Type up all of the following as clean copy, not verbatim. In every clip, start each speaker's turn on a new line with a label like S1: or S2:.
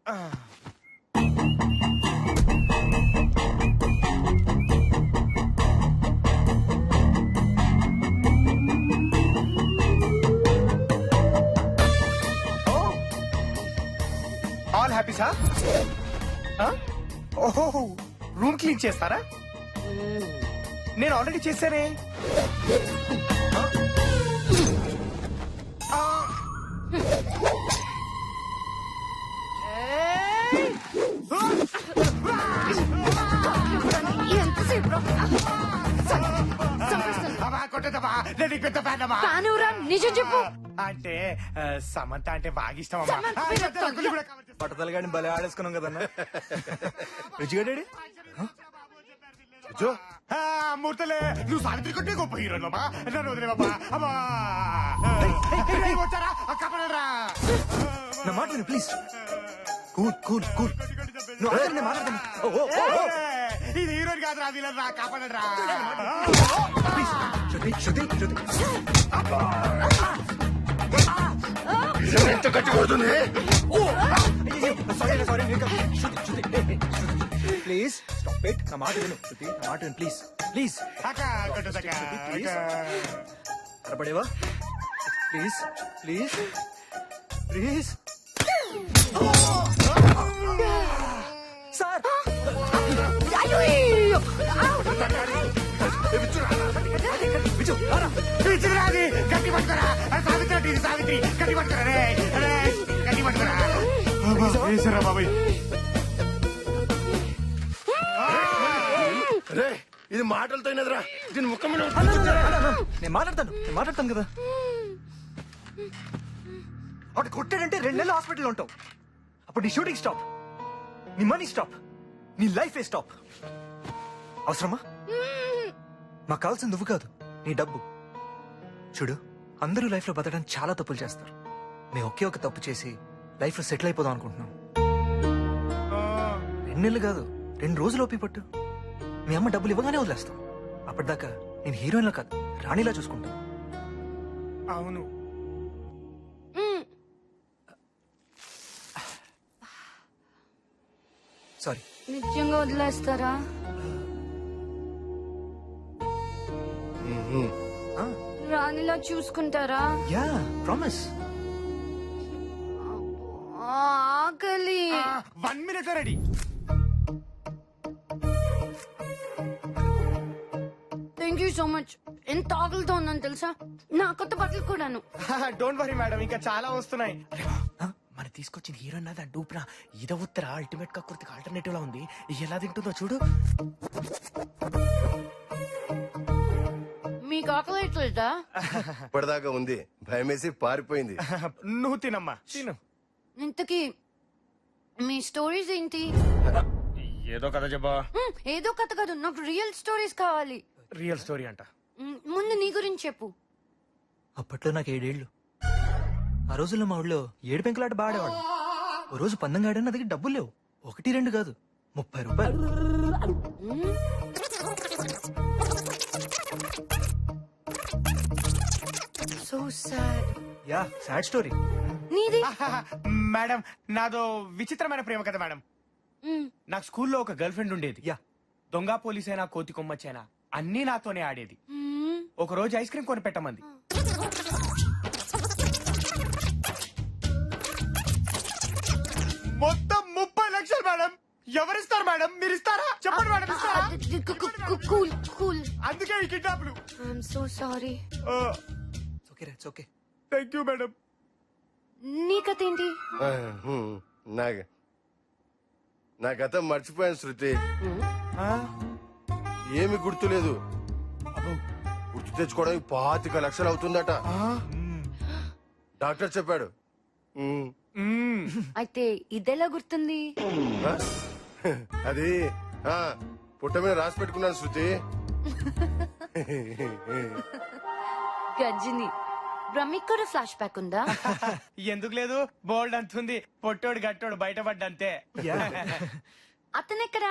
S1: All happy sir. ఓహో, room clean చేస్తారా? నేను ఆల్రెడీ చేశానే.
S2: నిజం చెప్పు.
S1: అంటే సమంత అంటే బాగా ఇష్టం.
S3: పట్టతలు గాని భలే ఆడేసుకున్నాం కదన్నా. రుచిగడ్డాడు
S1: మూర్తలే, నువ్వు సావిత్రి కొట్టే గొప్ప హీరో బాబా. నన్ను వదిలే బాబా. అమ్మా వచ్చారా కపడరా.
S3: నా మాట విను ప్లీజ్. Cool cool cool. నువ్వు ఆగండి, మాట్లాడండి.
S1: ఇది హీరోని కాదురా, విలన్ రా, కాపాడరా.
S3: ప్లీజ్ శృతి శృతి శృతి.
S4: ఎంత గట్టి కొడుతుంది.
S3: Sorry sorry. Shruti Shruti please stop it. నా మాట విను శృతి, నా మాట విను ప్లీజ్ ప్లీజ్. అరపడేవా ప్లీజ్ ప్లీజ్ ప్లీజ్. సార్
S1: గట్టి పట్టుకోరా సావిత్రి, సావిత్రి గట్టి పట్టుకోరా రే, గట్టి పట్టుకోరా బాబాయ్.
S4: రే ఇది మాటలతో అయినదిరా, దీని ముఖం మీద
S3: నేను మాట్లాడతాను కదా. అటు కొట్టాడంటే 2 నెలలు హాస్పిటల్లో ఉంటావు. అప్పుడు నీ షూటింగ్ స్టాప్, నీ మనీ స్టాప్, నీ లైఫ్ స్టాప్. అవసరమా? మాకు కావాల్సింది నువ్వు కాదు, నీ డబ్బు. చూడు, అందరూ లైఫ్ లో బతకడానికి చాలా తప్పులు చేస్తారు. మేము ఒకే ఒక తప్పు చేసి లైఫ్ లో సెటిల్ అయిపోదాం అనుకుంటున్నాం. 2 నెలలు కాదు, 2 రోజులు ఓపి పట్టు. మీ అమ్మ డబ్బులు ఇవ్వగానే వదిలేస్తాం. అప్పటిదాకా నేను హీరోయిన్లా కాదు, రాణిలా చూసుకుంటాను.
S1: అవును.
S3: సారీ.
S2: నిజంగా వదిలేస్తారా? రాణిలా చూసుకుంటారా?
S3: Yeah promise.
S2: ఆకలి.
S1: 1 minute ready.
S2: Thank you so much. ఎంత ఆకలితో ఉన్నాను తెలుసా? నా కొత్త బట్టలు కూడాను.
S1: డోంట్ వరీ మేడం, ఇంకా చాలా వస్తున్నాయి. మన తీసుకొచ్చిన హీరో నాది డూప్రా. ఇద ఉత్తర అల్టిమేట్ కకృతికి ఆల్టర్నేటివ్ లా ఉంది. ఎలా తింటుందో చూడు.
S2: మీకు ఆకలి ఎట్లేదా?
S4: ఇప్పటిదాకా ఉంది, భయమేసి పారిపోయింది.
S1: నువ్వు తినమ్మా, తిను.
S2: ఇంతకీ మీ స్టోరీస్ ఏంటి?
S1: ఏదో కథ చెప్పా.
S2: ఏదో కథ కాదు, నాకు రియల్ స్టోరీస్ కావాలి.
S1: రియల్ స్టోరీ అంట.
S2: ముందు నీ గురించి చెప్పు.
S3: అప్పట్లో నాకు 7 ఏళ్ళు. ఆ రోజుల్లో మా ఊళ్ళో 7 పెంకులాట బాడేవాడు. ఓ రోజు పందెం గాడని నా దగ్గర డబ్బులు లేవు. 1, 2 కాదు, 30 రూపాయలు.
S2: So sad.
S3: Yeah sad story.
S2: నీది?
S1: మేడం నాదో విచిత్రమైన ప్రేమ కథ మేడం. నాకు స్కూల్లో ఒక గర్ల్ ఫ్రెండ్ ఉండేది.
S3: యా.
S1: దొంగ పోలీసైనా కోతి కొమ్మచ్చైనా అన్నీ నాతోనే ఆడేది. ఒక రోజు ఐస్ క్రీమ్ కొని పెట్టమంది. మొత్తం 30 లక్షలు మేడం. ఎవరిస్తారు మేడం? మీరు ఇస్తారా? చెప్పండి మేడం, ఇస్తారా?
S2: Cool cool.
S1: అందుకే ఈ కిడ్నాప్లు.
S2: I'm so sorry.
S3: Okay it's okay.
S1: Thank you madam.
S2: నీ కథ ఏంటి?
S4: నా గతం మర్చిపోయాను శృతి. ఏమి గుర్తులేదు. గుర్తు తెచ్చుకోవడానికి 25 లక్షలు అవుతుందట. డాక్టర్ చెప్పాడు.
S2: అయితే ఇదెలా గుర్తుంది?
S4: అది పుట్ట మీద రాసి పెట్టుకున్నాను శృతి.
S2: గజ్జిని బ్రహ్మిక్ కూడా ఫ్లాష్ బ్యాక్ ఉందా?
S1: ఎందుకు లేదు, బోల్డ్ అంతుంది. పొట్టోడు గట్టోడు బయటపడ్డంతే.
S2: అతనెక్కడా?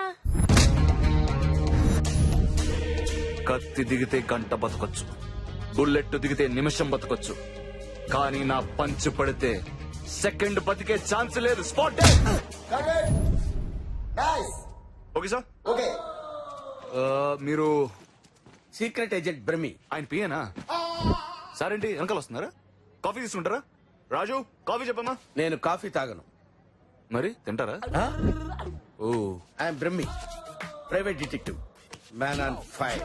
S5: కత్తి దిగితే గంట బతకొచ్చు, బుల్లెట్ దిగితే నిమిషం బతకొచ్చు, కానీ నా పంచు పడితే సెకండ్ బతికే ఛాన్స్ లేదు. Spot okay sir.
S6: ఓకే.
S5: మీరు
S6: సీక్రెట్ ఏజెంట్ బ్రహ్మి.
S5: ఆయన పియేనా? సార్ ఏంటి వెనకాల వస్తున్నారా? కాఫీ తీసుకుంటారా? రాజు కాఫీ చెప్పమ్మా.
S6: నేను కాఫీ తాగను.
S5: మరి తింటారా? ఓ
S6: I'm Brahmi, private detective, man on fire.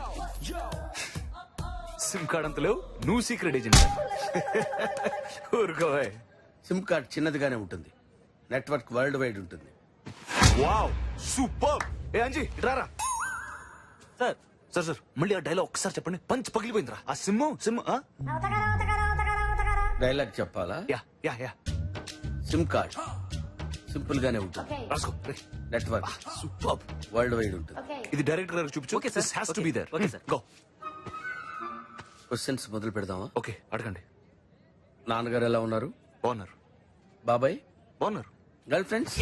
S5: SIM card అంత లేవు, నువ్వు సీక్రెట్ ఏజెంట్. ఊరుకోవే.
S6: సిమ్ కార్డ్ చిన్నదిగానే ఉంటుంది, నెట్వర్క్ వరల్డ్ వైడ్ ఉంటుంది.
S5: Wow super. ఏ అంజీ ఇట్రారా.
S3: సార్
S5: సార్ సార్ మళ్ళీ ఆ డైలాగ్ ఒక్కసారి చెప్పండి. పంచ్ పగిలిపోయిందిరా. ఆ సిమ్
S6: డైలాగ్ చెప్పాలా?
S5: Yeah yeah yeah
S6: SIM card simple గానే ఉంటుంది,
S5: రాసుకో.
S6: Network
S5: super.
S6: వరల్డ్ వైడ్ ఉంటుంది.
S5: ఇది డైరెక్టర్ గారికి చూపించు.
S3: Okay, sir.
S5: This has to
S3: Okay.
S5: be there.
S3: Okay, sir.
S5: Go.
S6: Questions మొదలు పెడదామా?
S5: ఓకే అడగండి.
S6: నాన్నగారు ఎలా ఉన్నారు?
S5: బాగున్నారు
S6: బాబాయ్,
S5: బాగున్నారు.
S6: Girlfriends?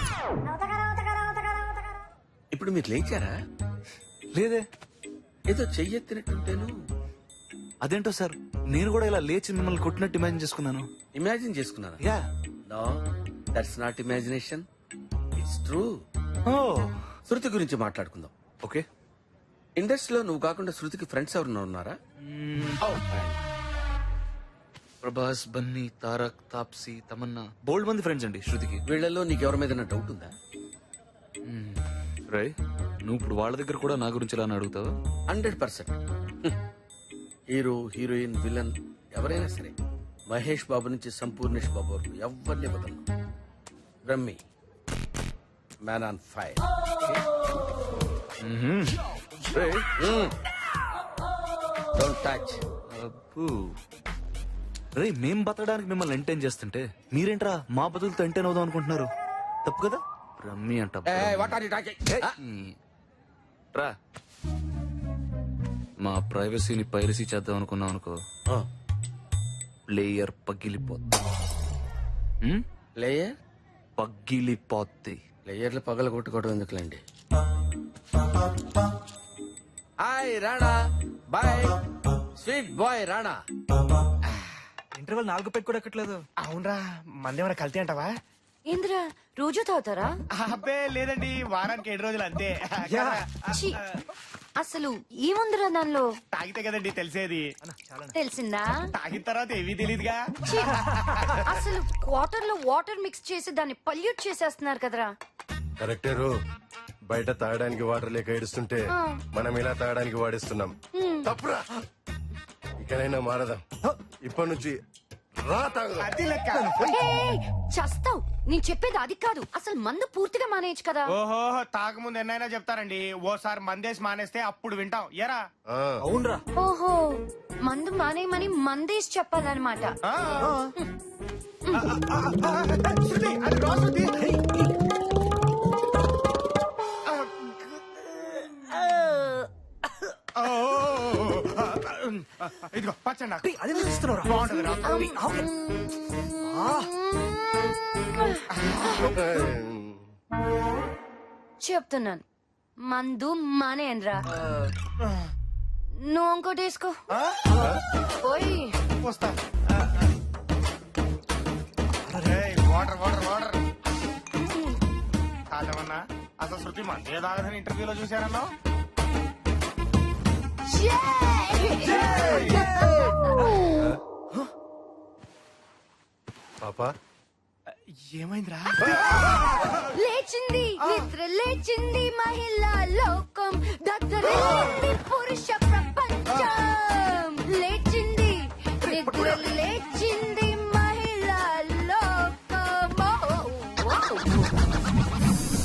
S6: ఇప్పుడు మీరు లేచారా?
S5: లేదే.
S6: ఏదో చెయ్యెత్తినట్టుంటేను.
S5: అదేంటో సార్, నేను కూడా ఇలా లేచి మిమ్మల్ని కొట్టినట్టు ఇమాజిన్ చేసుకున్నాను.
S6: ఇమాజిన్ చేసుకున్నారా?
S5: Yeah.
S6: No, that's not imagination, it's true.
S5: ఓ
S6: శృతి గురించి మాట్లాడుకుందాం.
S5: ఓకే.
S6: ఇండస్ట్రీలో నువ్వు కాకుండా శృతికి ఫ్రెండ్స్ ఎవరన్నా ఉన్నారా?
S5: ప్రభాస్, బన్నీ, తారక్, తాప్సీ, తమన్నా, బోల్డ్ మంది ఫ్రెండ్స్ అండి శృతికి.
S6: వీళ్ళలో నీకు ఎవరి మీద డౌట్ ఉందా?
S5: రై నువ్వు ఇప్పుడు వాళ్ళ దగ్గర కూడా నా గురించి ఇలా అని అడుగుతావా?
S6: 100%. హీరో, హీరోయిన్, విలన్ ఎవరైనా సరే, మహేష్ బాబు నుంచి సంపూర్ణేష్ బాబు వరకు ఎవరిని వదలను. Brahmi, man on fire.
S5: రేయ్,
S6: డోంట్ టచ్.
S5: అబ్బో. రేయ్ మేం బతకడానికి మిమ్మల్ని ఎంటైన్ చేస్తుంటే మీరేంట్రా మా బతుకులతో ఎంటైన్ అవుదాం అనుకుంటున్నారు? తప్పు కదా. రమ్మి అంట.
S6: What are you talking?
S5: రా. మా ప్రైవసీని పైరసీ చేద్దాం అనుకున్నాం అనుకో, ప్లేయర్ పగిలిపోద్ది.
S6: లేయర్
S5: పగిలిపోద్ది.
S6: లేయర్లు పగల కొట్టుకోవడం ఎందుకులేండి. Hi Rana, boy sweet boy Rana.
S3: Interval 4 పెట్టి కూడా ఎక్కట్లేదు.
S1: అవునరా, మందేమైనా కల్తీ అంటావా?
S2: ఏంద్రా రోజు తాగుతారా?
S1: అబ్బే లేదండి, వారానికి 7 రోజులు అంతే.
S2: ఛీ, అసలు ఏముందిరా దానిలో?
S1: తాగితే కదండి తెలిసేది.
S2: తెలిసిందా?
S1: తాగిన తర్వాత ఏవీ తెలియదుగా.
S2: ఛీ, అసలు వాటర్ లో వాటర్ మిక్స్ చేసి దాన్ని పల్యూట్ చేసేస్తున్నారు కదరా.
S4: కరెక్టేరు. బయట తాగడానికి వాటర్ లేక ఏడుస్తుంటే మనం ఇలా తాగడానికి వాడిస్తున్నాం. తప్పురా. ఇకనైనా మారదాం. ఇప్పటి నుంచి రా తాగుదాం.
S1: అది లెక్క.
S2: ఏయ్, చస్తావ్. నేను చెప్పేది అది కాదు, అసలు మందు పూర్తిగా మానేయచ్చు కదా.
S1: ఓహో, తాగముందు ఎన్నైనా చెప్తారండి. ఓసారి మందేసి మానేస్తే అప్పుడు వింటాం. ఎరా
S4: ఆ,
S3: అవునరా.
S2: ఓహో, మందు మానేయమని మందేసి చెప్పాలన్నమాట.
S1: శృతి, అది రా శృతి. ఇదిగో పచ్చండి నాకు.
S3: అదే ఇస్తున్నారా?
S1: బాగుంటది రా.
S2: చెప్తున్నాను, మందు మానేయనరా. నువ్వు ఇంకోటి వేసుకో. పోయి
S1: వస్తా. Water water water. కాదమన్నా, అసలు శృతి మందే తాగదని ఇంటర్వ్యూలో చూశారన్నా.
S4: పాపా
S1: ఏమైందిరా?
S2: లేచింది నిద్ర లేచింది మహిళా లోకం దత్తరే